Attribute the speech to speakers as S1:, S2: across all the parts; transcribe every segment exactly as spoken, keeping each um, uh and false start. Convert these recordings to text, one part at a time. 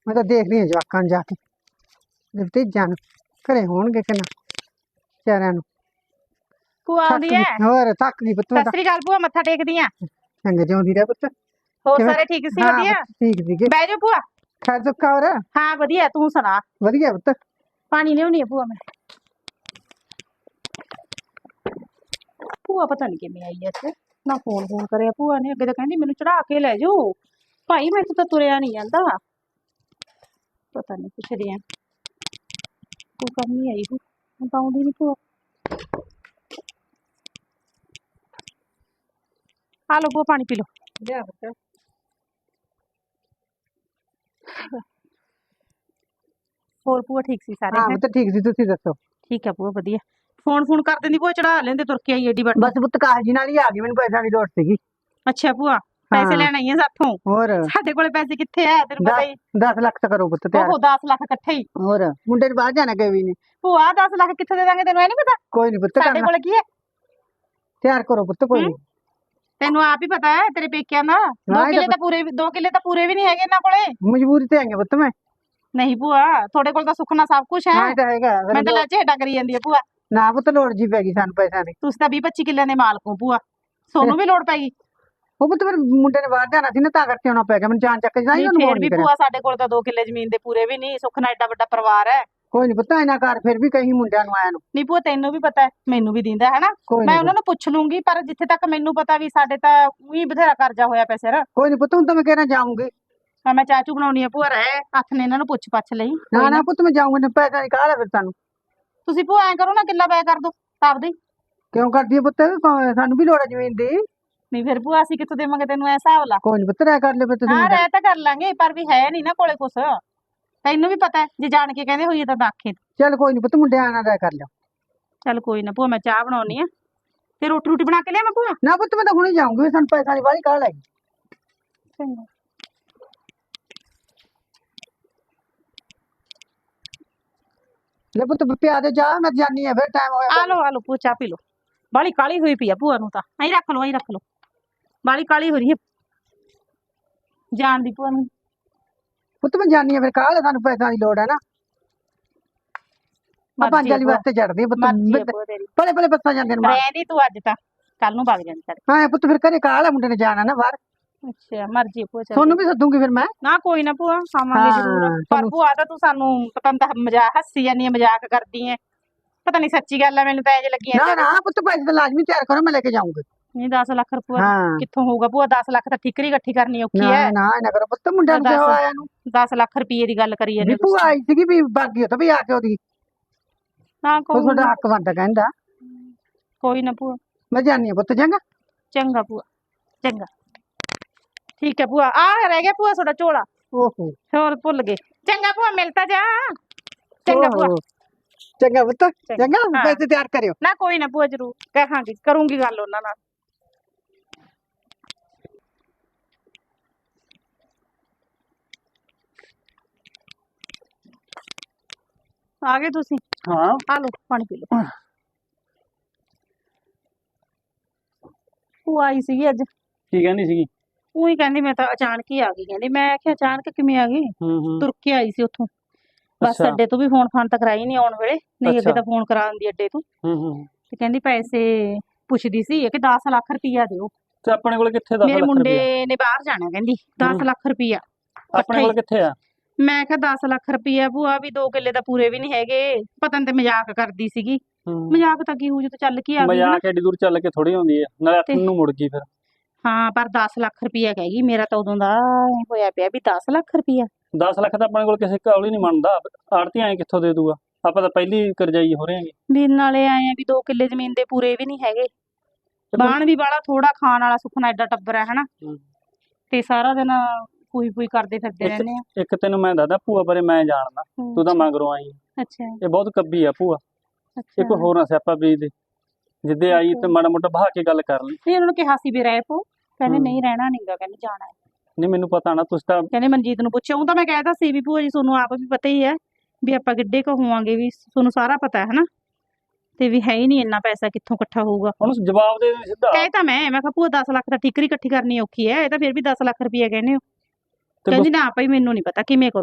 S1: मैं तो देख रही हूँ जवाकां नूं जाके भतीजां नूं घरे होणगे कि ना बेचारिਆਂ ਨੂੰ
S2: ਭੂਆ ਆਉਂਦੀ ਐ।
S1: ਹੋਰ ਥੱਕ ਗਈ ਪੁੱਤ।
S2: ਸਤਿ ਸ੍ਰੀ ਅਕਾਲ ਭੂਆ, ਮੱਥਾ ਟੇਕਦੀ ਆ।
S1: ਚੰਗੇ ਜਿਉਂਦੀ ਰਹਿ ਪੁੱਤ।
S2: ਹੋਰ ਸਾਰੇ ਠੀਕ ਸੀ? ਵਧੀਆ
S1: ਠੀਕ ਸੀਗੇ।
S2: ਬਹਿ ਜਾ ਭੂਆ।
S1: ਖੈਰ ਸੁੱਖਾ ਹੋਰ?
S2: ਹਾਂ ਵਧੀਆ, ਤੂੰ ਸੁਣਾ?
S1: ਵਧੀਆ ਪੁੱਤ।
S2: ਪਾਣੀ ਲਿਆਉਣੀ ਆ ਭੂਆ ਮੈਂ। ਭੂਆ ਪਤਾ ਨਹੀਂ ਕਿਵੇਂ ਆਈ ਐ ਇੱਥੇ, ਨਾ ਫੋਨ ਫੋਨ ਕਰਿਆ ਭੂਆ ਨੇ। ਅੱਗੇ ਤਾਂ ਕਹਿੰਦੀ ਮੈਨੂੰ ਚੜਾ ਕੇ ਲੈ ਜਾਓ ਭਾਈ, ਮੇਰੇ ਤੋਂ ਤਾਂ ਤੁਰਿਆ ਨਹੀਂ ਜਾਂਦਾ। ਪਤਾ ਨਹੀਂ, ਪੁੱਛਦੀ ਆ। ਕੋਈ ਕੰਮ ਨਹੀਂ ਆਈ ਹੂੰ, ਹੁਣ ਤਾਂ ਆਉਂਦੀ ਨਹੀਂ ਭੂਆ। ਆ ਲਓ ਭੂਆ, ਪਾਣੀ ਪੀ ਲਓ।
S1: ਲਿਆ ਪੁੱਤ।
S2: ਹੋਰ ਭੂਆ ਠੀਕ ਸੀ ਸਾਰੇ?
S1: ਹਾਂ ਪੁੱਤ ਠੀਕ ਸੀ, ਤੁਸੀਂ ਦੱਸੋ?
S2: ਠੀਕ ਆ ਭੂਆ ਵਧੀਆ। ਫੋਨ ਫੋਨ ਕਰ ਦਿੰਦੀ ਭੂਆ, ਚੜਾ ਲੈਂਦੇ ਤੁਰ ਕੇ ਆਈ ਏਡੀ ਵੱਡੀ।
S1: ਬਸ ਪੁੱਤ ਕਾਹਜੀ ਨਾਲ ਹੀ ਆ ਗਈ, ਮੈਨੂੰ ਪੈਸਾ ਦੀ ਲੋੜ ਸੀਗੀ।
S2: ਅੱਛਾ ਭੂਆ, ਪੈਸੇ ਲੈਣ ਆਈ ਆ ਸਾਥੋਂ?
S1: ਹੋਰ
S2: ਸਾਡੇ ਕੋਲੇ ਪੈਸੇ ਕਿੱਥੇ ਆ, ਤੈਨੂੰ ਪਤਾ ਹੀ।
S1: ਦਸ ਲੱਖ ਤਾਂ ਕਰੋ ਪੁੱਤ ਤਿਆਰ।
S2: ਉਹ ਦਸ ਲੱਖ ਇਕੱਠੇ ਹੀ।
S1: ਹੋਰ ਮੁੰਡੇ ਨੂੰ ਬਾਹਰ ਜਾਣਾ ਕਿ ਵੀ ਨਹੀਂ।
S2: ਭੂਆ ਦਸ ਲੱਖ ਕਿੱਥੇ ਦੇ ਦਾਂਗੇ ਤੈਨੂੰ, ਇਹ ਨੀ ਪਤਾ?
S1: ਕੋਈ ਨਹੀਂ ਪੁੱਤ,
S2: ਸਾਡੇ ਕੋਲੇ ਕੀ ਹੈ?
S1: ਤਿਆਰ ਕਰੋ ਪੁੱਤ, ਕੋਈ ਨਹੀਂ।
S2: ਤੈਨੂੰ ਆਪ ਹੀ ਪਤਾ ਹੈ ਤੇਰੇ ਪੇਕਿਆਂ ਦਾ। ਦੋ ਕਿੱਲੇ ਤਾਂ ਪੂਰੇ ਦੋ ਕਿੱਲੇ ਤਾਂ ਪੂਰੇ ਵੀ ਨਹੀਂ ਹੈਗੇ ਇਹਨਾਂ ਕੋਲੇ।
S1: ਮਜਬੂਰੀ ਤੇ ਆਈਆਂ ਪੁੱਤ ਮੈਂ।
S2: ਨਹੀਂ ਭੂਆ, ਤੁਹਾਡੇ ਕੋਲ ਤਾਂ ਸੁੱਖ ਨਾਲ ਸਭ ਕੁਝ ਹੈ।
S1: ਹਾਂ ਇਹ ਤਾਂ ਹੈਗਾ।
S2: ਮੈਂ ਤਾਂ ਲੱਜੇ ਹੇਠਾਂ ਕਰੀ ਜਾਂਦੀ ਆ ਭੂਆ।
S1: ਨਾ ਪੁੱਤ ਲੋੜ ਜੀ ਪੈ ਗਈ ਸਾਨੂੰ ਪੈਸਿਆਂ ਦੀ।
S2: ਤੁਸੀਂ ਤਾਂ ਵੀਹ ਪੱਚੀ ਕਿੱਲਿਆਂ ਦੇ ਮਾਲਕ ਹੋ ਭੂਆ, ਸੋਨੂੰ ਵੀ ਲੋੜ ਪੈ ਗਈ।
S1: ਉਹ ਪੁੱਤ ਫਿਰ ਮੁੰਡੇ ਨੇ ਬਾਹਰ ਜਾਣਾ ਸੀ ਨਾ, ਤਾਂ ਕਰਕੇ ਆਉਣਾ ਪੈ ਗਿਆ ਮੈਨੂੰ। ਜਾਣ ਚੱਕ ਜਾਈ ਉਹਨੂੰ
S2: ਫੇਰ ਵੀ ਭੂਆ ਸਾਡੇ ਕੋਲ ਤਾਂ ਦੋ ਕਿੱਲੇ ਜ਼ਮੀਨ ਦੇ ਪੂਰੇ ਵੀ ਨਹੀਂ। ਸੁੱਖ ਨਾਲ ਐਡਾ ਵੱਡਾ ਪਰਿਵਾਰ ਹੈ।
S1: ਕੋਈ ਨਹੀਂ ਪੁੱਤ, ਇਹਨਾਂ ਘਰ ਫਿਰ ਵੀ ਕਈ ਮੁੰਡਿਆਂ ਨੂੰ ਆਇਆ ਨੂੰ।
S2: ਨਹੀਂ ਭੂਆ, ਤੈਨੂੰ ਵੀ ਪਤਾ ਹੈ, ਮੈਨੂੰ ਵੀ ਦਿੰਦਾ ਹੈ ਨਾ। ਮੈਂ ਉਹਨਾਂ ਨੂੰ ਪੁੱਛ ਲੂੰਗੀ, ਪਰ ਜਿੱਥੇ ਤੱਕ ਮੈਨੂੰ ਪਤਾ ਵੀ ਸਾਡੇ ਤਾਂ ਉਹੀ ਬਥੇਰਾ ਕਰਜ਼ਾ ਹੋਇਆ ਪਿਆ ਸਿਰ।
S1: ਕੋਈ ਨਹੀਂ ਪੁੱਤ, ਹੁਣ ਤਾਂ ਮੈਂ ਕਹਿਣਾ ਜਾਊਂਗੀ।
S2: ਹਾਂ ਮੈਂ ਚਾਚੂ ਬਣਾਉਣੀ ਆ ਭੂਆ, ਰਹਿ ਹੱਥ ਨੇ ਇਹਨਾਂ ਨੂੰ ਪੁੱਛ ਪੱਛ ਲਈ।
S1: ਨਾ ਨਾ ਪੁੱਤ, ਮੈਂ ਜਾਊਂਗੀ। ਪੈਸਾ ਦੀ ਕਾਹਲ ਹੈ ਫਿਰ ਤੁਹਾਨੂੰ?
S2: ਤੁਸੀਂ ਭੂਆ ਐਂ ਕਰੋ ਨਾ, ਕਿੱਲਾ ਬੈ ਕਰ ਦੋ ਆਪਦੇ।
S1: ਕਿਉਂ ਕਰਦੀ ਹੈ ਪੁੱਤ? ਸਾਨੂੰ ਵੀ ਲੋੜ ਹੈ ਜ਼ਮੀਨ ਦੀ।
S2: ਨਹੀਂ ਫਿਰ ਭੂਆ ਅਸੀਂ ਕਿੱਥੋਂ ਦੇਵਾਂਗੇ ਤੈਨੂੰ, ਐ ਹਿਸਾਬ ਲਾ।
S1: ਕੋਈ ਨਹੀਂ ਪੁੱਤ, ਰਹਿ ਕਰ ਲੈ ਫਿਰ ਤੁਸੀਂ।
S2: ਹਾਂ ਰਹਿ ਤਾਂ ਕਰ ਲਾਂਗੇ, ਪਰ ਵੀ ਹੈ ਨਹੀਂ ਨਾ ਕੋਲੇ ਕੁਛ। ਤੈਨੂੰ ਵੀ ਪਤਾ ਹੈ, ਜੇ ਜਾਣ ਕੇ ਕਹਿੰਦੇ ਹੋਈਏ ਤਾਂ ਆਖੇ।
S1: ਚੱਲ ਕੋਈ ਨਹੀਂ ਪੁੱਤ, ਮੁੰਡਿਆਂ ਨਾਲ ਰਹਿ ਕਰ ਲਿਓ।
S2: ਚੱਲ ਕੋਈ ਨਾ ਭੂਆ, ਮੈਂ ਚਾਹ ਬਣਾਉਣੀ ਆ ਤੇ ਰੋਟੀ ਰੋਟੀ ਬਣਾ ਕੇ ਲਿਆ ਮੈਂ ਭੂਆ।
S1: ਨਾ ਪੁੱਤ, ਮੈਂ ਤਾਂ ਹੁਣੇ ਜਾਊਂਗੀ, ਸਾਨੂੰ ਪੈਸਾ ਦੀ ਬਾਹਲੀ ਕਾਹਲ ਹੈਗੀ।
S2: ਚੰਗਾ।
S1: ਲੈ ਪੁੱਤ ਪਿਆ ਦੇ ਜਾ, ਮੈਂ ਜਾਨੀ ਆ ਫਿਰ, ਟਾਈਮ ਹੋਇਆ।
S2: ਆ ਲੋ ਆ ਲੋ ਭੂਆ, ਚਾਹ ਪੀ ਲੋ। ਬਾਲੀ ਕਾਲੀ ਹੋਈ ਪਈ ਆ ਭੂਆ ਨੂੰ ਤਾਂ। ਐਂ ਰੱਖ ਲੋ, ਐਂ ਰੱਖ ਲੋ। ਬਾਲੀ ਕਾਲੀ ਹੋ ਰਹੀ ਹੈ ਜਾਣ ਦੀ ਭੂਆ ਨੂੰ।
S1: ਪੁੱਤ ਮੈਂ ਜਾਨੀ ਆ ਫਿਰ, ਕਾਹਲ ਸਾਨੂੰ ਪੈਸਾ ਦੀ ਲੋੜ ਹੈ ਨਾ। ਆਪਾਂ ਜਲੀ ਵਾਸਤੇ ਚੜਦੇ ਆ ਪੁੱਤ, ਭਲੇ ਭਲੇ ਬੱਸਾਂ ਜਾਂਦੇ ਨੇ।
S2: ਰਹਿੰਦੀ ਤੂੰ ਅੱਜ ਤਾਂ, ਕੱਲ ਨੂੰ ਵਗ ਜਾਂਦੀ ਸਾਡੇ।
S1: ਹਾਂ ਪੁੱਤ ਫਿਰ ਘਰੇ ਕਾਹਲ ਹੈ, ਮੁੰਡੇ ਨੇ ਜਾਣਾ ਨਾ ਬਾਹਰ।
S2: ਅੱਛਾ ਮਰਜੀ ਭੂਆ।
S1: ਤੁਹਾਨੂੰ ਵੀ ਸੱਦੂਗੀ ਫਿਰ ਮੈਂ।
S2: ਨਾ ਕੋਈ ਨਾ ਭੂਆ, ਆਵਾਂਗੇ ਜ਼ਰੂਰ। ਪਰ ਭੂਆ ਤਾਂ ਤੂੰ ਸਾਨੂੰ ਪਤਾ ਨਹੀਂ, ਤਾਂ ਮਜ਼ਾਕ ਹੱਸੀ ਜਾਂਦੀ ਹੈ, ਮਜ਼ਾਕ ਕਰਦੀ ਹੈ। ਪਤਾ ਨਹੀਂ ਸੱਚੀ ਗੱਲ ਹੈ, ਮੈਨੂੰ ਤਾਂ ਇੰਜ ਲੱਗੀ
S1: ਨਾ ਨਾ ਪੁੱਤ, ਪੈਸੇ ਤਾਂ ਲਾਜ਼ਮੀ ਤਿਆਰ ਕਰੋ, ਮੈਂ ਲੈ ਕੇ ਜਾਊਂਗੀ।
S2: ਨਹੀਂ ਦਸ ਲੱਖ ਰੁਪਇਆ ਕਿੱਥੋਂ ਹੋਊਗਾ ਭੂਆ? ਦਸ ਲੱਖ ਤਾਂ ਠੀਕਰੀ ਇਕੱਠੀ ਕਰਨੀ ਔਖੀ ਹੈ।
S1: ਨਾ ਨਾ ਕਰੋ ਪੁੱਤ, ਮੁੰਡਿਆਂ ਨੂੰ ਕਿਉਂ ਆਇਆ ਨੂੰ।
S2: ਦਸ ਲੱਖ ਰੁਪਏ ਦੀ ਗੱਲ ਕਰੀ ਜਾਂਦੇ
S1: ਭੂਆ ਆਈ ਸੀਗੀ ਵੀ ਬਾਗੀ ਉਹ ਤਾਂ ਵੀ ਆ ਕੇ ਉਹਦੀ।
S2: ਹਾਂ ਕੋਈ
S1: ਤੁਹਾਡਾ ਹੱਕ ਬਣਦਾ ਕਹਿੰਦਾ।
S2: ਕੋਈ ਨਾ ਭੂਆ,
S1: ਮੈਂ ਜਾਨੀ ਆ ਪੁੱਤ। ਚੰਗਾ
S2: ਚੰਗਾ ਭੂਆ, ਚੰਗਾ ਠੀਕ ਹੈ ਭੂਆ। ਆ ਰਹਿ ਗਿਆ ਭੂਆ ਤੁਹਾਡਾ ਝੋਲਾ।
S1: ਓਹੋ
S2: ਹੋਰ ਭੁੱਲ ਗਏ। ਚੰਗਾ ਭੂਆ, ਮਿਲਤਾ ਜਾ। ਚੰਗਾ ਭੂਆ।
S1: ਚੰਗਾ ਪੁੱਤ, ਚੰਗਾ। ਪੈਸੇ ਤਿਆਰ ਕਰਿਓ।
S2: ਨਾ ਕੋਈ ਨਾ ਭੂਆ, ਜ਼ਰੂਰ ਕਹਾਂਗੀ, ਕਰੂੰਗੀ ਗੱਲ ਉਹਨਾਂ ਨਾਲ। ਆ ਗਏ ਤੁਸੀਂ?
S1: ਹਾਂ
S2: ਆ ਲੋ ਪਾਣੀ ਪੀ ਲੋ। ਉਹ ਆਈ ਸੀਗੀ ਅੱਜ।
S3: ਕੀ ਕਹਿੰਦੀ ਸੀਗੀ?
S2: ਉਹੀ ਕਹਿੰਦੀ ਮੈਂ ਤਾਂ ਅਚਾਨਕ ਹੀ ਆ ਗਈ। ਕਹਿੰਦੀ ਮੈਂ ਆਖਿਆ ਅਚਾਨਕ ਕਿਵੇਂ ਆ ਗਈ? ਤੁਰ ਕੇ ਆਈ ਸੀ ਉੱਥੋਂ ਬੱਸ ਅੱਡੇ ਤੋਂ। ਵੀ ਫੋਨ ਫਾਨ ਤਾਂ ਕਰਾਈ ਨਹੀਂ ਆਉਣ ਵੇਲੇ, ਨਹੀਂ ਅੱਗੇ ਤਾਂ ਫੋਨ ਕਰਾ ਦਿੰਦੀ ਅੱਡੇ ਤੋਂ। ਤੇ ਕਹਿੰਦੀ ਪੈਸੇ ਪੁੱਛਦੀ ਸੀ ਕਿ ਦਸ ਲੱਖ ਰੁਪਈਆ ਦਿਓ।
S3: ਤੇ ਆਪਣੇ ਕੋਲ ਕਿੱਥੇ ਦਸ ਲੱਖ?
S2: ਮੇਰੇ ਮੁੰਡੇ ਨੇ ਬਾਹਰ ਜਾਣਾ, ਕਹਿੰਦੀ ਦਸ ਲੱਖ ਰੁਪਈਆ
S3: ਆਪਣੇ ਕੋਲ ਕਿੱਥੇ ਆ?
S2: ਮੈਂ ਕਿਹਾ ਦਸ ਲੱਖ ਰੁਪਈਆ ਭੂਆ ਵੀ ਦੋ ਕਿੱਲੇ ਤਾਂ ਪੂਰੇ ਵੀ ਨਹੀਂ ਹੈਗੇ। ਪਤਾ ਨਹੀਂ ਤੇ ਮਜ਼ਾਕ ਕਰਦੀ ਸੀਗੀ। ਮਜ਼ਾਕ ਤਾਂ ਕੀ ਹੋ ਜੂ, ਚੱਲ ਕੇ ਆ ਗਈ।
S3: ਮਜ਼ਾਕ ਐਡੀ ਦੂਰ ਚੱਲ ਕੇ ਥੋੜੀ ਆਉਂਦੀ ਹੈ, ਨਾਲੇ ਹੱਥ ਨੂੰ ਮੁੜ ਗਈ ਫਿਰ।
S2: ਹਾਂ ਪਰ ਦਸ ਲੱਖ ਰੁਪਈਆ ਕਹੇਗੀ। ਮੇਰਾ ਤਾਂ ਉਦੋਂ ਦਾ ਹੋਇਆ ਪਿਆ ਵੀ ਦਸ ਲੱਖ ਰੁਪਈਆ।
S3: ਦਸ ਲੱਖ ਤਾਂ ਆਪਣੇ ਕੋਲ ਕਿਸੇ ਕਾਲ ਹੀ ਨਹੀਂ ਮੰਨਦਾ। ਆੜਤੀ ਐ ਕਿੱਥੋਂ ਦੇ ਦੂਗਾ? ਆਪਾਂ ਤਾਂ ਪਹਿਲੀ ਕਰਜਾਈ ਹੋ ਰਹੇ ਆਂਗੇ।
S2: ਵੀ ਨਾਲੇ ਆਏ ਆ ਵੀ ਦੋ ਕਿੱਲੇ ਜ਼ਮੀਨ ਦੇ ਪੂਰੇ ਵੀ ਨਹੀਂ ਹੈਗੇ। ਬਾਣ ਵੀ ਬਾਲਾ ਥੋੜਾ, ਖਾਣ ਵਾਲਾ ਸੁਖਣਾ ਐਡਾ ਟੱਬਰ ਹੈ ਹਨਾ। ਤੇ ਸਾਰਾ ਦਿਨ ਪੂਈ ਪੂਈ ਕਰਦੇ ਫਿਰਦੇ ਰਹਿੰਦੇ ਆ।
S3: ਇੱਕ ਤੈਨੂੰ ਮੈਂ ਦੱਸਦਾ ਭੂਆ ਬਾਰੇ, ਮੈਂ ਜਾਣਦਾ, ਤੂੰ ਤਾਂ ਮਗਰੋਂ ਆਈ।
S2: ਅੱਛਾ।
S3: ਇਹ ਬਹੁਤ ਕੱਬੀ ਆ ਭੂਆ। ਇਹ ਕੋਈ ਹੋਰ ਨਾ ਸਿਆਪਾ ਬੀਜ ਦੇ। ਜਿੱਦੇ ਆਈ ਤੇ ਮਾੜਾ ਮੋਟਾ ਬਹਾ ਕੇ ਗੱਲ ਕਰ ਲਈ।
S2: ਨਹੀਂ ਉਹਨਾਂ ਨੂੰ ਕਿਹਾ ਸੀ ਵੀ ਰਹਿ ਪੋ, ਕਹਿੰਦੇ ਨਹੀਂ ਰਹਿਣਾ ਨਹੀਂਗਾ, ਕਹਿੰਦੇ ਜਾਣਾ ਹੈ।
S3: ਨਹੀਂ ਮੈਨੂੰ ਪਤਾ ਨਾ, ਤੁਸੀਂ ਤਾਂ
S2: ਕਹਿੰਦੇ ਮਨਜੀਤ ਨੂੰ ਪੁੱਛਿਆ। ਉਹ ਤਾਂ ਮੈਂ ਕਹਿਤਾ ਸੀ ਵੀ ਭੂਆ ਜੀ ਤੁਹਾਨੂੰ ਆਪ ਵੀ ਪਤਾ ਹੀ ਹੈ ਵੀ ਆਪਾਂ ਕਿੱਡੇ ਕੁ ਹੋਵਾਂਗੇ, ਵੀ ਤੁਹਾਨੂੰ ਸਾਰਾ ਪਤਾ ਹੈ ਹਨਾ। ਤੇ ਵੀ ਹੈ ਹੀ ਨਹੀਂ ਇੰਨਾ ਪੈਸਾ, ਕਿੱਥੋਂ ਇਕੱਠਾ ਹੋਊਗਾ?
S3: ਉਹਨੂੰ ਜਵਾਬ ਦੇ ਦੇ ਸਿੱਧਾ।
S2: ਕਹਿ ਤਾਂ ਮੈਂ ਮੈਂ ਕਿਹਾ ਭੂਆ ਦਸ ਲੱਖ ਤਾਂ ਠੀਕਰੀ ਇਕੱਠੀ ਕਰਨੀ ਔਖੀ ਹੈ, ਇਹ ਤਾਂ ਫਿਰ ਵੀ ਦਸ ਲੱਖ ਰੁਪਈਆ ਕਹਿੰਦੇ ਹੋ। ਕਹਿੰਦੀ ਨਾ ਭਾਈ ਮੈਨੂੰ ਨਹੀਂ ਪਤਾ, ਕਿਵੇਂ ਕਰੋ?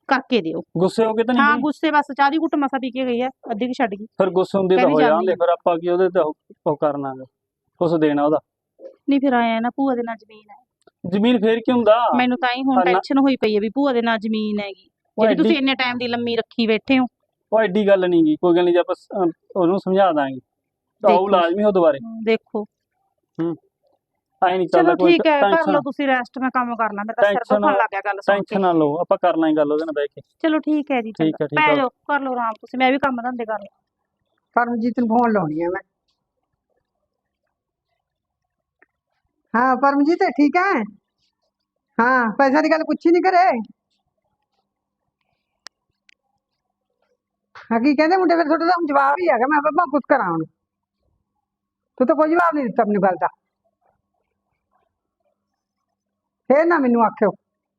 S2: ਕਰਕੇ ਦਿਓ।
S3: ਗੁੱਸੇ ਹੋ ਕੇ ਤਾਂ
S2: ਹਾਂ
S3: ਨਹੀਂ ਗਈ?
S2: ਗੁੱਸੇ ਬਸ ਚਾਹ ਦੀ ਘੁੱਟ ਮਸਾ ਪੀ ਕੇ ਗਈ ਆ, ਅੱਧੀ ਕਿ ਛੱਡ ਗਈ।
S3: ਫਿਰ ਗੁੱਸੇ ਹੁੰਦੇ ਤਾਂ
S2: ਕਹਿੰਦੀ
S3: ਹੋ
S2: ਜਾਂਦੀ
S3: ਜਾਂਦੇ, ਫਿਰ ਆਪਾਂ ਕੀ ਉਹਦੇ ਤੇ ਉਹ ਉਹ ਕਰਨਾ ਗਾ, ਕੁਛ ਦੇਣਾ ਉਹਦਾ।
S2: ਨਹੀਂ ਫਿਰ ਆਇਆ ਨਾ ਭੂਆ ਦੇ ਨਾਲ ਜ਼ਮੀਨ ਹੈ।
S3: ਜ਼ਮੀਨ ਫੇਰ ਕੀ ਹੁੰਦਾ?
S2: ਮੈਨੂੰ ਤਾਂ ਹੀ ਹੁਣ
S3: ਹਾਂ ਨਾ-
S2: ਟੈਨਸ਼ਨ ਹੋਈ ਪਈ ਹੈ ਵੀ ਭੂਆ ਦੇ ਨਾਲ ਜ਼ਮੀਨ ਹੈਗੀ,
S3: ਉਹ
S2: ਜਿਹੜੀ ਤੁਸੀਂ
S3: ਐਡੀ
S2: ਇੰਨੇ ਟਾਈਮ ਦੀ ਲੰਮੀ ਰੱਖੀ ਬੈਠੇ ਹੋ।
S3: ਉਹ ਐਡੀ ਗੱਲ ਨਹੀਂ ਗੀ, ਕੋਈ ਗੱਲ ਨਹੀਂ, ਜੇ ਆਪਾਂ ਸ- ਅਹ ਉਹਨੂੰ ਸਮਝਾ ਦਾਂਗੇ ਤਾਂ ਉਹ
S2: ਦੇਖੋ।
S3: ਲਾਜ਼ਮੀ ਉਹ ਦੁਬਾਰੇ।
S2: ਦੇਖੋ
S3: ਹੂੰ ਐ ਨਹੀਂ ਚੱਲਦਾ
S2: ਚਲੋ
S3: ਕੋਈ।
S2: ਠੀਕ ਹੈ, ਕਰ
S3: ਟੈਨਸ਼ਨ
S2: ਲਓ ਤੁਸੀਂ ਰੈਸਟ, ਮੈਂ ਕੰਮ ਕਰਨਾ, ਮੇਰਾ ਤਾਂ ਸਿਰ
S3: ਟੈਨਸ਼ਨ
S2: ਦੁਖਣ ਲੱਗ ਗਿਆ ਗੱਲ ਸੁਣ ਕੇ।
S3: ਟੈਨਸ਼ਨ ਨਾ ਲਓ, ਆਪਾਂ ਕਰ ਲਾਂਗੇ ਗੱਲ ਉਹਦੇ ਨਾਲ ਬਹਿ ਕੇ।
S2: ਚਲੋ ਠੀਕ ਹੈ ਜੀ,
S3: ਠੀਕ
S2: ਚੰਗਾ
S3: ਹੈ, ਠੀਕ
S2: ਪੈ
S3: ਹੈ।
S2: ਜਾਓ, ਕਰ ਲਓ ਆਰਾਮ ਤੁਸੀਂ, ਮੈਂ ਵੀ ਕੰਮ ਧੰਦੇ ਕਰ ਲਵਾਂ।
S1: ਪਰਮਜੀਤ ਨੂੰ ਫੋਨ ਲਾਉਣੀ ਹੈ ਮੈਂ। ਹਾਂ ਪਰਮਜੀਤ ਠੀਕ ਹੈ? ਹਾਂ ਪੈਸਿਆਂ ਦੀ ਗੱਲ ਪੁੱਛੀ ਨਹੀਂ ਕਰੇ? ਹਾਂ ਕੀ ਕਹਿੰਦੇ ਮੁੰਡੇ, ਫਿਰ ਤੁਹਾਡੇ ਦਾ ਹੁਣ ਜਵਾਬ ਹੀ ਹੈਗਾ, ਮੈਂ ਬਾਬਾ ਕੁਝ ਕਰਾਂ ਹੁਣ। ਤੂੰ ਤਾਂ ਕੋਈ ਜਵਾਬ ਨਹੀਂ ਦਿੱਤਾ ਮੈਨੂੰ ਗੱਲ ਦਾ, ਫੇਰ ਨਾ ਮੈਨੂੰ ਆਖਿਓ।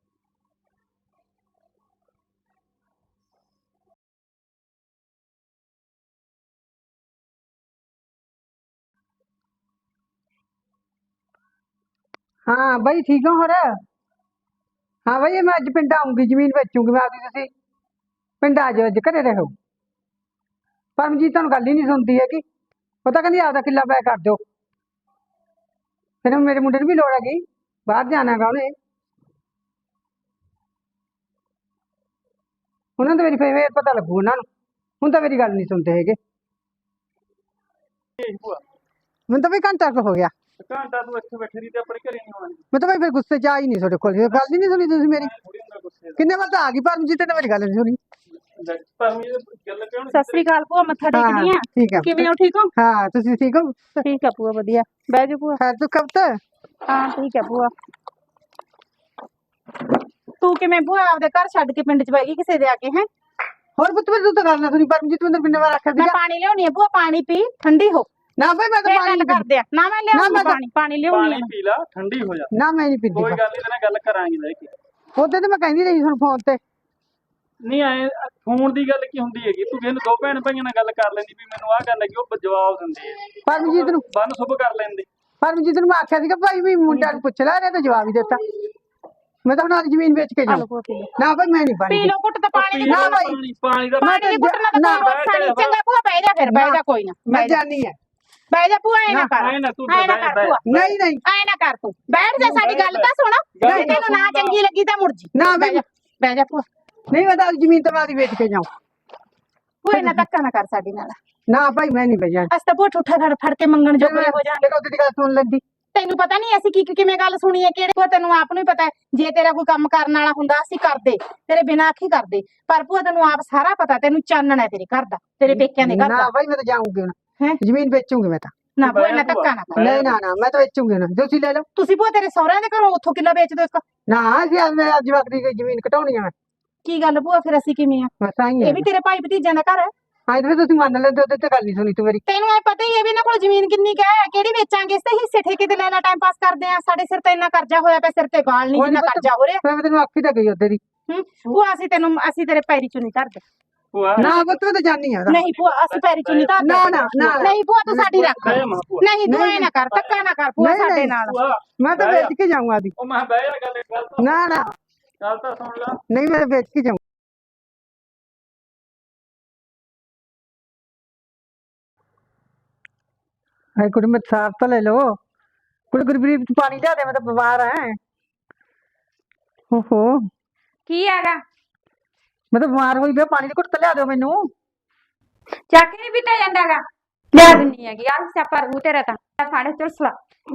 S1: ਹਾਂ ਬਈ ਠੀਕ ਹੋ ਹੋਰ? ਹਾਂ ਬਈ ਮੈਂ ਅੱਜ ਪਿੰਡ ਆਉਂਗੀ, ਜ਼ਮੀਨ ਵੇਚੂਗੀ ਮੈਂ ਆਪਦੀ, ਤੁਸੀਂ ਪਿੰਡ ਆ ਜਾਓ, ਅੱਜ ਘਰੇ ਰਹੋ। ਪਰਮਜੀਤ ਤੁਹਾਨੂੰ ਗੱਲ ਹੀ ਨਹੀਂ ਸੁਣਦੀ ਹੈਗੀ, ਉਹ ਤਾਂ ਕਹਿੰਦੀ ਆਪਦਾ ਕਿੱਲਾ ਪੈ ਕਰ ਦਿਓ। ਫਿਰ ਮੇਰੇ ਮੁੰਡੇ ਨੂੰ ਵੀ ਲੋੜ ਹੈਗੀ, ਬਾਹਰ ਜਾਣਾ ਗਾ ਉਹਨੇ, ਉਹਨਾਂ ਨੂੰ ਤਾਂ ਮੇਰੀ ਫੇਰ ਪਤਾ ਲੱਗੂ ਉਹਨਾਂ ਨੂੰ, ਹੁਣ ਤਾਂ ਮੇਰੀ ਗੱਲ ਨਹੀਂ ਸੁਣਦੇ ਹੈਗੇ। ਮੈਨੂੰ ਤਾਂ ਬਈ ਘੰਟਾ ਕੁ ਹੋ ਗਿਆ।
S3: ਘੰਟਾ ਤੂੰ ਇੱਥੇ ਬੈਠੀ ਰਹੀ ਤੇ ਆਪਣੇ ਘਰੇ ਨਹੀਂ ਆਉਣਾ?
S1: ਮੈਂ ਤਾਂ ਬਈ ਫਿਰ ਗੁੱਸੇ ਚ ਆ ਹੀ ਨਹੀਂ ਤੁਹਾਡੇ ਕੋਲ, ਗੱਲ ਹੀ ਨਹੀਂ ਸੁਣੀ ਤੁਸੀਂ ਮੇਰੀ।
S3: ਥੋੜੀ ਹੁੰਦਾ ਗੁੱਸੇ
S1: ਕਿੰਨੇ ਵਾਰ ਤਾਂ ਆ ਗਈ ਪਰਮਜੀਤ ਨੇ ਮੇਰੀ ਗੱਲ ਨਹੀਂ ਸੁਣੀ।
S3: ਦਾ। ਪਰ ਮੇਰੀ ਗੱਲ ਕਿਉਂ
S2: ਸਤਿ ਸ੍ਰੀ ਅਕਾਲ ਭੂਆ, ਮੱਥਾ
S1: ਹਾਂ
S2: ਟੇਕਦੀ ਆ।
S1: ਠੀਕ ਹੈ
S2: ਕਿਵੇਂ ਹੋ, ਠੀਕ ਹੋ?
S1: ਹਾਂ ਤੁਸੀਂ ਠੀਕ ਹੋ?
S2: ਠੀਕ ਆ ਭੂਆ, ਵਧੀਆ। ਬਹਿ ਜਾ ਭੂਆ।
S1: ਖੈਰ ਤੂੰ ਕਬ ਤੱਕ?
S2: ਹਾਂ ਠੀਕ ਹੈ ਭੂਆ। ਤੂੰ ਕਿਵੇਂ ਭੂਆ ਆਪਦੇ ਘਰ ਛੱਡ ਕੇ ਪਿੰਡ ਚ ਬਹਿ ਗਈ ਕਿਸੇ ਦੇ ਆ ਕੇ? ਹੈ
S1: ਹੋਰ ਪੁੱਤ ਤੂੰ ਤਾਂ ਗੱਲ ਨਾ ਸੁਣੀ, ਪਰਮਜੀਤ ਮੈਨੂੰ ਕਿੰਨੇ ਵਾਰ ਆਖਿਆ
S2: ਮੈਂ
S1: ਸੀਗਾ।
S2: ਪਾਣੀ ਲਿਆਉਣੀ ਆ ਭੂਆ, ਪਾਣੀ ਪੀ, ਠੰਡੀ ਹੋ।
S1: ਨਾ ਬਈ ਮੈਂ ਤਾਂ
S2: ਫੇਰ
S1: ਪਾਣੀ
S2: ਗੱਲ
S1: ਨਹੀਂ
S2: ਕਰਦੇ ਆ ਨਾ, ਮੈਂ ਲਿਆਉਂਗੀ
S1: ਮੈਂ ਤਾਂ-
S2: ਪਾਣੀ, ਪਾਣੀ ਲਿਆਉਣੀ
S3: ਪਾਣੀ
S2: ਆ।
S3: ਪੀ ਲਾ, ਠੰਡੀ ਹੋ ਜਾ।
S1: ਨਾ ਮੈਂ ਨਹੀਂ ਪੀਂਦੀ।
S3: ਕੋਈ ਗੱਲ ਨਹੀਂ, ਤੇਰੇ ਨਾਲ ਗੱਲ ਕਰਾਂਗੇ ਬਹਿ ਕੇ।
S1: ਉਹਦੇ ਤੇ ਮੈਂ ਕਹਿੰਦੀ ਰਹੀ ਹੁਣ ਫੋਨ ਤੇ।
S3: ਨਹੀਂ ਆਏ ਫੋਨ ਦੀ ਗੱਲ ਕੀ ਹੁੰਦੀ ਹੈਗੀ, ਤੂੰ ਕਿਸੇ ਨੂੰ ਦੋ ਭੈਣ ਭਾਈਆਂ ਨਾਲ ਗੱਲ ਕਰ ਲੈਂਦੀ ਵੀ ਮੈਨੂੰ ਆਹ ਗੱਲ ਹੈਗੀ, ਉਹ ਜਵਾਬ ਦਿੰਦੇ ਆ।
S1: ਪਰਮਜੀਤ ਨੂੰ
S3: ਬੰਨ ਸੁਭ ਕਰ ਲੈਂਦੇ।
S1: ਪਰਮਜੀਤ ਨੂੰ ਮੈਂ ਆਖਿਆ ਸੀਗਾ ਭਾਈ ਵੀ ਮੁੰਡਿਆਂ ਨੂੰ ਪੁੱਛ ਲੈ, ਇਹਨੇ ਤਾਂ ਜਵਾਬ ਹੀ ਦਿੱਤਾ। ਮੈਂ ਤਾਂ ਹੁਣ ਅੱਜ ਜ਼ਮੀਨ ਵੇਚ ਕੇ
S2: ਆ
S1: ਜਾਊਂ।
S2: ਲਓ ਭੂਆ ਪੀ ਲਓ।
S1: ਨਾ ਭਾਈ ਮੈਂ ਨਹੀਂ ਪਾਣੀ
S2: ਪੀ ਲਓ ਘੁੱਟ ਤਾਂ ਪਾਣੀ ਦੀ।
S1: ਨਾ ਭਾਈ।
S3: ਪਾਣੀ ਪਾਣੀ ਦਾ
S2: ਪਾਣੀ ਦੀ ਘੁੱਟ ਨਾਲ ਤਾਂ ਕੋਈ ਰੋਸਾ ਨਹੀਂ। ਚੰਗਾ ਭੂਆ ਬਹਿ ਜਾ, ਫਿਰ ਬਹਿ ਜਾ, ਕੋਈ ਨਾ
S1: ਮੈਂ
S2: ਬਹਿ ਜਾ,
S1: ਜਾਣੀ ਹੈ।
S2: ਬਹਿ ਜਾ ਭੂਆ, ਐ ਨਾ
S1: ਨਾ,
S2: ਕਰ,
S3: ਐ ਨਾ ਤੂੰ
S2: ਐ ਨਾ
S3: ਬਹਿ
S2: ਕਰ
S3: ਜਾ,
S2: ਭੂਆ,
S1: ਨਹੀਂ ਨਹੀਂ
S2: ਐ ਨਾ ਕਰ, ਤੂੰ ਬੈਠ ਜਾ, ਸਾਡੀ ਗੱਲ ਤਾਂ ਸੁਣ।
S3: ਗੱਲ
S2: ਜੇ ਤੈਨੂੰ ਨਾ
S3: ਸੁਣ ਲਾ।
S2: ਚੰਗੀ ਲੱਗੀ ਤਾਂ ਮੁੜ ਜੀ।
S1: ਨਾ
S2: ਬਹਿ
S1: ਬਈ
S2: ਜਾ, ਬਹਿ ਜਾ ਭੂਆ।
S1: ਨਹੀਂ ਮੈਂ ਤਾਂ ਅੱਜ ਜ਼ਮੀਨ ਤਾਂ ਮੈਂ ਆਪਦੀ ਵੇਚ ਕੇ ਜਾਊਂ।
S2: ਭੂਆ ਇੰਨਾ ਧੱਕਾ ਨਾ ਕਰ ਸਾਡੇ ਨਾਲ।
S1: ਨਾ ਭਾਈ ਮੈਂ ਨਹੀਂ ਬਈ ਜਾਣੀ।
S2: ਅਸੀਂ ਤਾਂ ਭੂਆ ਠੂਠਾ ਫੜ ਫੜ ਕੇ ਮੰਗਣ ਜੋਗੇ ਹੋ ਜਾਣਗੇ।
S1: ਫਿਰ ਉਹਦੀ ਦੀ ਗੱਲ ਸੁਣ ਲੈਂਦੀ।
S2: ਤੈਨੂੰ ਪਤਾ ਨਹੀਂ ਅਸੀਂ ਕੀ ਕਿਵੇਂ ਗੱਲ ਸੁਣੀ ਹੈ, ਕਿਹੜੇ ਭੂਆ ਤੈਨੂੰ ਆਪ ਨੂੰ ਹੀ ਪਤਾ ਹੈ। ਜੇ ਤੇਰਾ ਕੋਈ ਕੰਮ ਕਰਨ ਵਾਲਾ ਹੁੰਦਾ ਅਸੀਂ ਕਰਦੇ, ਤੇਰੇ ਬਿਨਾਂ ਆਖੀ ਕਰਦੇ। ਪਰ ਭੂਆ ਤੈਨੂੰ ਆਪ ਸਾਰਾ ਪਤਾ, ਤੈਨੂੰ ਚਾਨਣ ਹੈ ਤੇਰੇ ਘਰ ਦਾ, ਤੇਰੇ ਪੇਕਿਆਂ ਦੇ ਘਰ
S1: ਨਾ
S2: ਦਾ।
S1: ਭਾਈ ਮੈਂ ਤਾਂ ਜਾਊਂਗੀ ਹੁਣ,
S2: ਹੈਂ?
S1: ਜ਼ਮੀਨ ਵੇਚੂੰਗੀ ਮੈਂ ਤਾਂ।
S2: ਨਾ ਭੂਆ ਇੰਨਾ ਧੱਕਾ ਨਾ ਕਰ।
S1: ਨਹੀਂ ਨਾ ਨਾ ਮੈਂ ਤਾਂ ਵੇਚੂੰਗੀ ਨਾ, ਤੁਸੀਂ ਲੈ ਲਓ।
S2: ਤੁਸੀਂ ਭੂਆ ਤੇਰੇ ਸਹੁਰਿਆਂ ਦੇ ਘਰੋਂ ਉੱਥੋਂ ਕਿੱਲਾ ਵੇਚ ਦੋ ਇੱਕ।
S1: ਨਾ ਅਸੀਂ ਅੱਜ ਮੈਂ ਅੱਜ ਵਕਤ ਦੀ ਜ਼ਮੀਨ ਘਟਾਉਣੀ ਆ ਮੈਂ,
S2: ਕੀ ਗੱਲ ਭੂਆ, ਫਿਰ ਅਸੀਂ ਕਿਵੇਂ ਆ?
S1: ਬਸ ਆਈ
S2: ਇਹ
S1: ਹੈ।
S2: ਵੀ ਤੇਰੇ ਭਾਈ ਭਤੀਜਿਆਂ ਦਾ ਘਰ ਹੈ।
S1: ਹਾਂ ਫਿਰ ਤੁਸੀਂ ਮੰਨ ਲੈਂਦੇ, ਉਹਦੇ ਤੇ ਗੱਲ ਨਹੀਂ ਸੁਣੀ ਤੂੰ ਮੇਰੀ।
S2: ਤੈਨੂੰ ਇਹ ਪਤਾ ਹੀ ਹੈ ਵੀ ਇਹਨਾਂ ਕੋਲ ਜ਼ਮੀਨ ਕਿੰਨੀ ਕੁ ਹੈ, ਕਿਹੜੀ ਵੇਚਾਂਗੇ? ਇਸ ਤੇ ਹਿੱਸੇ ਠੇਕੇ ਤੇ ਲੈ ਲੈ, ਟਾਈਮ ਪਾਸ ਕਰਦੇ ਆ। ਸਾਡੇ ਸਿਰ ਤੇ ਇੰਨਾ ਕਰਜ਼ਾ ਹੋਇਆ ਪਿਆ, ਸਿਰ ਤੇ ਗਾਲ ਨਹੀਂ ਜਿੰਨਾ ਕਰਜ਼ਾ ਹੋ ਰਿਹਾ।
S1: ਮੈਂ ਤੈਨੂੰ ਆਖੀ ਤਾਂ ਗਈ ਉਹਦੇ ਦੀ।
S2: ਹੂੰ ਭੂਆ ਅਸੀਂ ਤੈਨੂੰ, ਅਸੀਂ ਤੇਰੇ ਪੈਰੀ ਚੁੰਨੀ ਧਰਦੇ।
S1: ਨਾ ਪੁੱਤ ਮੈਂ ਤਾਂ ਜਾਣੀ ਆ।
S2: ਨਹੀਂ ਭੂਆ ਅਸੀਂ ਪੈਰੀ ਚੁੰਨੀ ਧਰਦੇ।
S1: ਨਾ ਨਾ ਨਾ
S2: ਨਹੀਂ ਭੂਆ ਤੂੰ ਸਾਡੀ ਰੱਖ।
S3: ਬਹਿ ਮਾਂ ਭੂਆ।
S2: ਨਹੀਂ ਤੂੰ ਐ ਨਾ ਕਰ, ਧੱਕਾ ਨਾ ਕਰ ਭੂਆ
S1: ਨਹੀਂ,
S2: ਸਾਡੇ
S1: ਨਹੀਂ।
S2: ਨਾਲ।
S3: ਭੂਆ
S1: ਮੈਂ ਤਾਂ ਵੇਚ ਕੇ ਜਾਊਂਗਾ ਦੀ।
S3: ਉਹ ਮੈਂ ਬਹਿ ਜਾ, ਗੱਲ ਗੱਲ ਤਾਂ
S1: ਨਾ ਨਾ
S3: ਗੱਲ ਤਾਂ ਸੁਣ ਲਾ।
S1: ਨਹੀਂ ਮੈਂ ਵੇਚ ਕੇ ਜਾਊਂ। ਹਾਏ ਕੁੜੀ ਮੈਂ ਸਾਫ ਤਾਂ ਲੈ ਲਓ। ਕੁੜੀ ਗੁਰਬਰੀਤ ਤੂੰ ਪਾਣੀ ਲਿਆ ਦੇ, ਮੈਂ ਤਾਂ ਬਿਮਾਰ ਹਾਂ। ਓਹੋ
S2: ਕੀ ਹੈਗਾ?
S1: ਮੈਂ ਤਾਂ ਬਿਮਾਰ ਹੋਈ ਪਿਆ, ਪਾਣੀ ਦੀ ਘੁੱਟ ਤਾਂ ਲਿਆ ਦਿਓ ਮੈਨੂੰ।
S2: ਚੱਕ ਨਹੀਂ ਪੀਤਾ ਜਾਂਦਾਗਾ, ਲਿਆ ਦਿੰਨੀ ਹੈਗੀ। ਆਹ ਸਿਆਪਾ ਰੂ ਤੇਰਾ ਤਾਂ ਫਾੜੇ ਚੁਲਸਲਾ।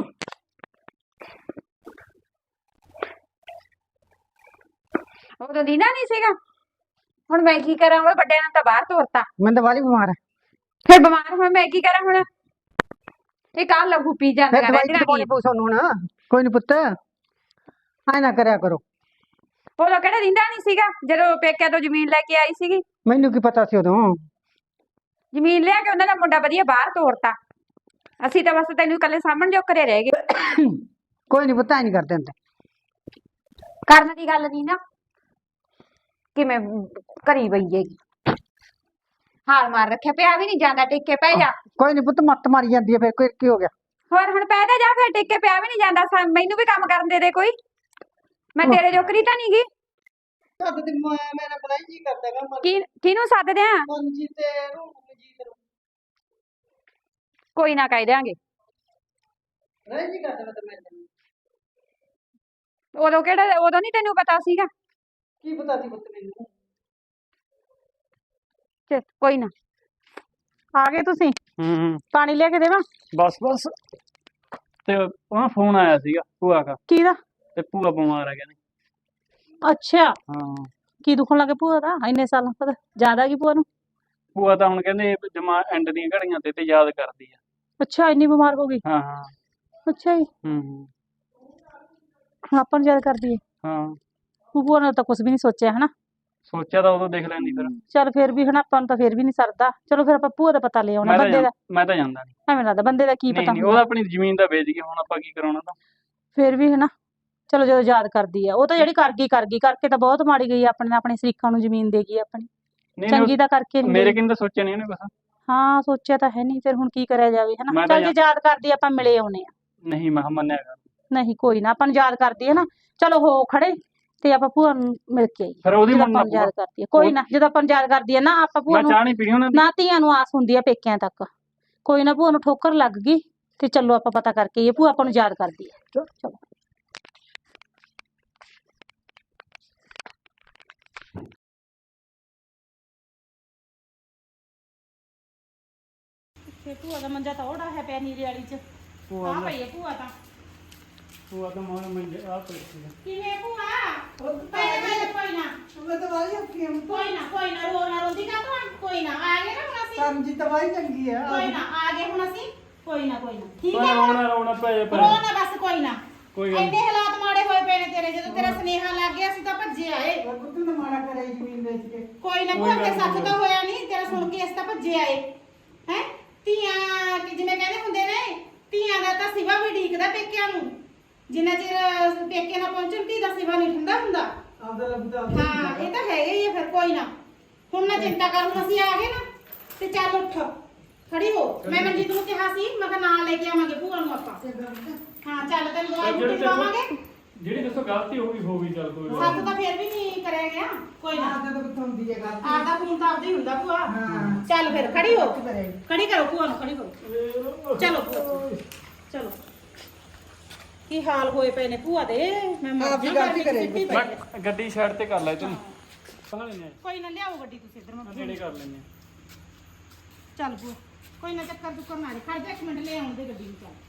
S2: ਉਦੋਂ ਦੀਨਾ ਨਹੀਂ ਸੀਗਾ, ਹੁਣ ਮੈਂ ਕੀ ਕਰਾਂ? ਉਹ ਵੱਡਿਆਂ ਨੇ ਤਾਂ ਬਾਹਰ ਤੋਰਤਾ,
S1: ਮੈਂ ਤਾਂ ਵਾਲੀ ਬਿਮਾਰ ਹਾਂ।
S2: ਫਿਰ ਬਿਮਾਰ ਹੋਇਆ ਮੈਂ ਕੀ ਕਰਾਂ ਹੁਣ? ਇਹ ਕੱਲ ਲਹੂ ਪੀ ਜਾਂਦਾ
S1: ਫਿਰ ਦਵਾਈ ਦਵਾਈ ਪਊ ਸਾਨੂੰ ਹੁਣ। ਕੋਈ ਨੀ ਪੁੱਤ ਐ ਨਾ ਕਰਿਆ ਕਰੋ।
S2: ਉਦੋਂ ਕਿਹੜਾ ਦਿੰਦਾ ਨਹੀਂ ਸੀਗਾ ਜਦੋਂ ਪੇਕਿਆਂ ਤੋਂ ਜ਼ਮੀਨ ਲੈ ਕੇ ਆਈ ਸੀਗੀ?
S1: ਮੈਨੂੰ ਕੀ ਪਤਾ ਸੀ ਉਦੋਂ।
S2: ਜ਼ਮੀਨ ਲਿਆ ਕੇ ਉਹਨਾਂ ਦਾ ਮੁੰਡਾ ਵਧੀਆ ਬਾਹਰ ਤੋਰਤਾ, ਅਸੀਂ ਤਾਂ ਬਸ ਤੈਨੂੰ ਇਕੱਲੇ ਸਾਹਮਣ ਜੋ ਘਰੇ ਰਹਿ ਗਏ।
S1: ਕੋਈ ਨੀ ਪੁੱਤ ਐ ਨੀ ਕਰਦੇ ਹੁੰਦੇ।
S2: ਕਰਨ ਦੀ ਗੱਲ ਨਹੀਂ ਨਾ, ਕਿਵੇਂ ਕਰੀ ਪਈ ਹੈਗੀ, ਹਾਲ ਮਾਰ ਰੱਖਿਆ, ਪਿਆ ਵੀ ਨਹੀਂ ਜਾਂਦਾ, ਟਿੱਕੇ ਪੈ ਜਾ।
S1: ਕੋਈ ਨੀ ਪੁੱਤ ਮੱਤ ਮਾਰੀ ਜਾਂਦੀ ਹੈ, ਫਿਰ ਕੋਈ ਕੀ ਹੋ ਗਿਆ?
S2: ਹੋਰ ਹੁਣ ਪੈ ਜਾ, ਫਿਰ ਟਿੱਕੇ ਪਿਆ ਵੀ ਨਹੀਂ ਜਾਂਦਾ। ਸਾ- ਮੈਨੂੰ ਵੀ ਕੰਮ ਕਰਨ ਦੇ ਦੇ ਕੋਈ, ਮੈਂ ਤੇਰੇ ਜੋਕਰੀ ਤਾਂ ਨਹੀਂ ਗੀ।
S1: ਸੱਦ ਤੇ ਮੈਂ ਮੇਰਾ ਬੜਾ ਜੀ ਕਰਦਾ ਗਾ ਮਨ
S4: ਕੀ ਕਿਹਨੂੰ ਸੱਦਦੇ ਆ?
S1: ਮਨਜੀਤ ਤੇ ਰੂਪ ਮਨਜੀਤ ਨੂੰ
S4: ਕੋਈ ਨਾ ਕਹਿ ਦਿਆਂਗੇ।
S1: ਰਹਿ ਜੀ ਕਰਦਾ ਵਾ ਤੇ ਮੈਂ ਤੈਨੂੰ
S4: ਉਦੋਂ ਕਿਹੜਾ ਉਦੋਂ ਨਹੀਂ ਤੈਨੂੰ ਪਤਾ ਸੀਗਾ?
S1: ਕੀ ਪਤਾ ਸੀ ਪੁੱਤ ਮੈਨੂੰ
S4: ਚੱਲ ਕੋਈ ਨਾ।
S2: ਆ ਗਏ ਤੁਸੀਂ?
S3: ਹੂੰ
S2: ਪਾਣੀ ਲਿਆ ਕੇ ਦੇਵਾਂ?
S3: ਬਸ ਬਸ ਤੇ ਉਹ ਫੋਨ ਆਇਆ ਸੀਗਾ ਭੂਆ ਦਾ
S2: ਕਿਹਦਾ?
S3: ਤੇ ਭੂਆ ਬਿਮਾਰ ਆ ਕਹਿੰਦੇ।
S2: ਅੱਛਾ,
S3: ਹਾਂ
S2: ਕੀ ਦੁਖਣ ਲੱਗੇ ਭੂਆ ਦਾ ਇੰਨੇ ਸਾਲਾਂ ਬਾਅਦ? ਜ਼ਿਆਦਾ ਕੀ ਭੂਆ ਨੂੰ?
S3: ਭੂਆ ਤਾਂ ਹੁਣ ਕਹਿੰਦੇ ਜਮਾ ਐਂਡ ਦੀਆਂ ਘੜੀਆਂ ਤੇ ਤੇ ਯਾਦ ਕਰਦੀ ਆ।
S2: ਅੱਛਾ, ਇੰਨੀ ਬਿਮਾਰ ਹੋ ਗਈ?
S3: ਹਾਂ ਹਾਂ
S2: ਅੱਛਾ ਜੀ,
S3: ਹੂੰ ਹੂੰ
S2: ਹੁਣ ਆਪਾਂ ਨੂੰ ਯਾਦ ਕਰਦੀ ਹੈ।
S3: ਹਾਂ
S2: ਭੂਆ ਨੇ ਤਾਂ ਕੁਝ ਵੀ ਨਹੀਂ ਸੋਚਿਆ ਹਨਾ।
S3: ਸੋਚਿਆ ਤਾਂ ਉਦੋਂ ਦੇਖ ਲੈਂਦੀ ਫਿਰ।
S2: ਚੱਲ ਫਿਰ ਵੀ ਹਨਾ ਆਪਾਂ ਨੂੰ ਤਾਂ ਫਿਰ ਵੀ ਨਹੀਂ ਸਰਦਾ। ਚਲੋ ਫਿਰ ਆਪਾਂ ਭੂਆ ਦਾ ਪਤਾ ਲੈ ਆਉਣਾ
S3: ਮੈਂ ਤਾਂ
S2: ਬੰਦੇ ਦਾ।
S3: ਜਾਂ- ਮੈਂ ਤਾਂ ਜਾਂਦਾ ਨਹੀਂ।
S2: ਐਵੇਂ ਲੱਗਦਾ ਬੰਦੇ ਦਾ ਕੀ
S3: ਨਹੀਂ
S2: ਪਤਾ
S3: ਨਹੀਂ
S2: ਹੁੰਦਾ।
S3: ਉਹਦਾ ਆਪਣੀ ਜ਼ਮੀਨ ਦਾ ਵੇਚ ਗਿਆ, ਹੁਣ ਆਪਾਂ ਕੀ ਕਰਾਉਣਾ ਤਾਂ।
S2: ਫਿਰ ਵੀ ਹਨਾ ਚਲੋ ਜਦੋਂ ਯਾਦ ਕਰਦੀ ਆ, ਉਹ ਤਾਂ ਜਿਹੜੀ ਕਰ ਗਈ ਕਰ ਗਈ, ਕਰਕੇ ਤਾਂ ਬਹੁਤ ਮਾੜੀ ਗਈ ਆਪਣੇ ਆਪਣੇ ਸ਼ਰੀਕਾਂ ਨੂੰ ਜ਼ਮੀਨ ਦੇ ਗਈ ਆਪਣੀ।
S3: ਨਹੀਂ
S2: ਚੰਗੀ
S3: ਨਹੀਂ
S2: ਤਾਂ ਕਰਕੇ ਨਹੀਂ
S3: ਮੇਰੇ
S2: ਗਈ।
S3: ਕਿੰਨੇ ਤਾਂ ਸੋਚਿਆ ਨਹੀਂ ਉਹਨੇ ਕੁਛ।
S2: ਹਾਂ ਸੋਚਿਆ ਤਾਂ ਹੈ ਨਹੀਂ, ਫਿਰ ਹੁਣ ਕੀ ਕਰਿਆ ਜਾਵੇ ਹਨਾ।
S3: ਮੈਂ ਤਾਂ
S2: ਚੱਲ ਜੇ ਯਾਦ ਕਰਦੀ ਆ, ਆਪਾਂ ਮਿਲੇ ਆਉਣੇ ਆ।
S3: ਨਹੀਂ ਮੈਂ ਕਿਹਾ ਮੰਨਿਆ ਕਰ।
S2: ਨਹੀਂ ਕੋਈ ਨਾ, ਆਪਾਂ ਨੂੰ ਯਾਦ ਕਰਦੀ ਹੈ ਨਾ, ਚਲੋ ਹੋ ਖੜੇ ਤੇ ਆਪਾਂ ਭੂਆ ਨੂੰ ਮਿਲ ਕੇ ਆਈਏ।
S3: ਫਿਰ ਉਹਦੀ
S2: ਜਦੋਂ
S3: ਮੰਨਣਾ
S2: ਆਪਾਂ ਨੂੰ ਯਾਦ
S3: ਪਊਗਾ।
S2: ਕਰਦੀ ਹੈ ਕੋਈ ਨਾ, ਜਦੋਂ ਆਪਾਂ ਨੂੰ ਯਾਦ ਕਰਦੀ ਹੈ ਨਾ ਆਪਾਂ ਭੂਆ
S3: ਮੈਂ
S2: ਨੂੰ
S3: ਚਾਹ ਨਹੀਂ ਪੀਣੀ ਉਹਨਾਂ ਦੀ।
S2: ਨਾ, ਧੀਆਂ ਨੂੰ ਆਸ ਹੁੰਦੀ ਆ ਪੇਕਿਆਂ ਤੱਕ। ਕੋਈ ਨਾ, ਭੂਆ ਨੂੰ ਠੋਕਰ ਲੱਗ ਗਈ ਤੇ ਚਲੋ ਆਪਾਂ ਪਤਾ ਕਰਕੇ ਆਈਏ, ਭੂਆ ਆਪਾਂ ਨੂੰ ਯਾਦ ਕਰਦੀ ਹੈ। ਚਲੋ ਤੇ ਭੂਆ ਦਾ ਮੰਜਾ ਤਾਂ ਉਹੜਾ ਹੈ ਪਿਆ ਨੀਰੇ ਵਾਲੀ ਚ। ਆ ਪਈ ਹੈ ਭੂਆ ਤਾਂ।
S3: ਭੂਆ ਤਾਂ ਮਾਂ ਮੰਜੇ ਆ ਪਈ ਸੀ।
S2: ਕਿਵੇਂ ਭੂਆ? ਪਹਿਲੇ ਪਹਿਲੇ ਕੋਈ ਨਾ
S1: ਮੈਂ ਤਾਂ ਵਾਲੀ ਔਖੀ ਹਾਂ
S2: ਕੋਈ ਨਾ ਕੋਈ ਨਾ, ਰੋ ਨਾ ਰੋਂਦੀ ਕਾ ਤੂੰ? ਕੋਈ ਨਾ, ਆ ਗਏ ਨਾ ਹੁਣ ਅਸੀਂ।
S1: ਸਮਝੀ ਤਾਂ ਵਾਲੀ ਚੰਗੀ ਆ
S2: ਕੋਈ ਨਾ, ਆ ਗਏ ਹੁਣ ਅਸੀਂ। ਕੋਈ ਨਾ ਕੋਈ ਨਾ, ਠੀਕ
S3: ਪਰ
S2: ਹੈ ਹੁਣ?
S3: ਰੋਣਾ ਰੋਣਾ ਪਏ ਪਏ
S2: ਰੋ ਨਾ ਬਸ, ਕੋਈ ਨਾ।
S3: ਕੋਈ ਗੱਲ
S2: ਐਡੇ ਹਾਲਾਤ ਮਾੜੇ ਹੋਏ ਪਏ ਨੇ ਤੇਰੇ, ਜਦੋਂ ਤੇਰਾ ਸੁਨੇਹਾ ਲੱਗ ਗਿਆ ਅਸੀਂ ਤਾਂ ਭੱਜੇ ਆਏ।
S1: ਉਹ ਤੂੰ ਨਾ ਮਾੜਾ ਕਰੇ ਜ਼ਮੀਨ ਵੇਚ ਕੇ
S2: ਕੋਈ ਨਾ ਭੂਆ, ਕੇ ਸੱਚ ਤਾਂ ਹੋਇਆ ਨਹੀਂ, ਤੇਰਾ ਸੁਣ ਕੇ ਅਸੀਂ ਤਾਂ ਭੱਜੇ ਆਏ ਹੈ। ਧੀਆਂ ਕਿ ਜਿਵੇਂ ਕਹਿੰਦੇ ਹੁੰਦੇ ਨੇ, ਧੀਆਂ ਦਾ ਤਾਂ ਸਿਵਾ ਵੀ ਢੀਕਦਾ ਪੇਕਿਆਂ ਨੂੰ। ਜਿੰਨਾ ਚਿਰ ਪੇਕੇ ਨਾ ਪਹੁੰਚਣ ਧੀ ਦਾ ਸਿਵਾ ਨਹੀਂ ਠੰਡਾ ਹੁੰਦਾ।
S1: ਆਪਦਾ ਲੱਭਦਾ
S2: ਹਾਂ ਇਹ ਤਾਂ ਹੈਗਾ ਹੀ ਆ ਫਿਰ। ਕੋਈ ਨਾ, ਹੁਣ ਨਾ ਚਿੰਤਾ ਕਰ, ਹੁਣ ਅਸੀਂ ਆ ਗਏ ਨਾ ਤੇ ਚੱਲ ਉੱਠ ਖੜੀ ਹੋ। ਮੈਂ ਮਨਜੀਤ ਨੂੰ ਕਿਹਾ ਸੀ, ਮੈਂ ਕਿਹਾ ਨਾਲ ਲੈ ਕੇ ਆਵਾਂਗੇ ਭੂਆ ਨੂੰ ਆਪਾਂ। ਹਾਂ ਚੱਲ ਤੈਨੂੰ ਦਵਾਈ ਬੂਟੀ ਦਵਾਵਾਂਗੇ।
S3: ਜਿਹੜੀ ਦੱਸੋ ਗਲਤੀ ਹੋ ਗਈ ਹੋ ਗਈ, ਚੱਲ ਕੋਈ
S2: ਸੱਤ ਤਾਂ ਫਿਰ ਵੀ ਨਹੀਂ ਕਰਿਆ ਗਿਆ। ਕੋਈ ਨਾ,
S1: ਆਪਦਾ ਤਾਂ ਕਿੱਥੋਂ ਹੁੰਦੀ ਹੈ ਗੱਲ
S2: ਆਪਦਾ ਖੂਨ ਤਾਂ ਆਪਦਾ ਹੀ ਹੁੰਦਾ ਭੂਆ।
S1: ਹਾਂ।
S2: ਚੱਲ ਫਿਰ ਖੜੀ ਹੋ,
S1: ਕਰੇ
S2: ਖੜੀ ਕਰੋ ਭੂਆ ਨੂੰ, ਖੜੀ ਕਰੋ। ਚਲੋ ਭੂਆ ਚਲੋ। ਕੀ ਹਾਲ ਹੋਏ ਪਏ ਨੇ ਭੂਆ ਦੇ, ਮੈਂ ਮਰ
S1: ਆਪ ਹੀ
S2: ਜਾ
S1: ਗਲਤੀ ਕਰੇਗੀ।
S3: ਮੈਂ ਗੱਡੀ ਸਾਈਡ ਤੇ ਕਰ ਲੈ ਤੂੰ। ਪਾ ਲੈਨੇ
S2: ਕੋਈ ਨਾ, ਲਿਆਓ ਗੱਡੀ ਤੁਸੀਂ ਇੱਧਰ। ਮੈਂ
S3: ਆ ਨੇੜੇ ਕਰ ਲੈਨੇ
S2: ਚੱਲ ਭੂਆ, ਕੋਈ ਨਾ ਚੱਕਰ ਚੁੱਕਰ ਨਾ ਖੜ ਜਾ, ਇੱਕ ਮਿੰਟ ਲੈ ਆਉਣ ਦੇ ਗੱਡੀ ਨੂੰ। ਚੱਲ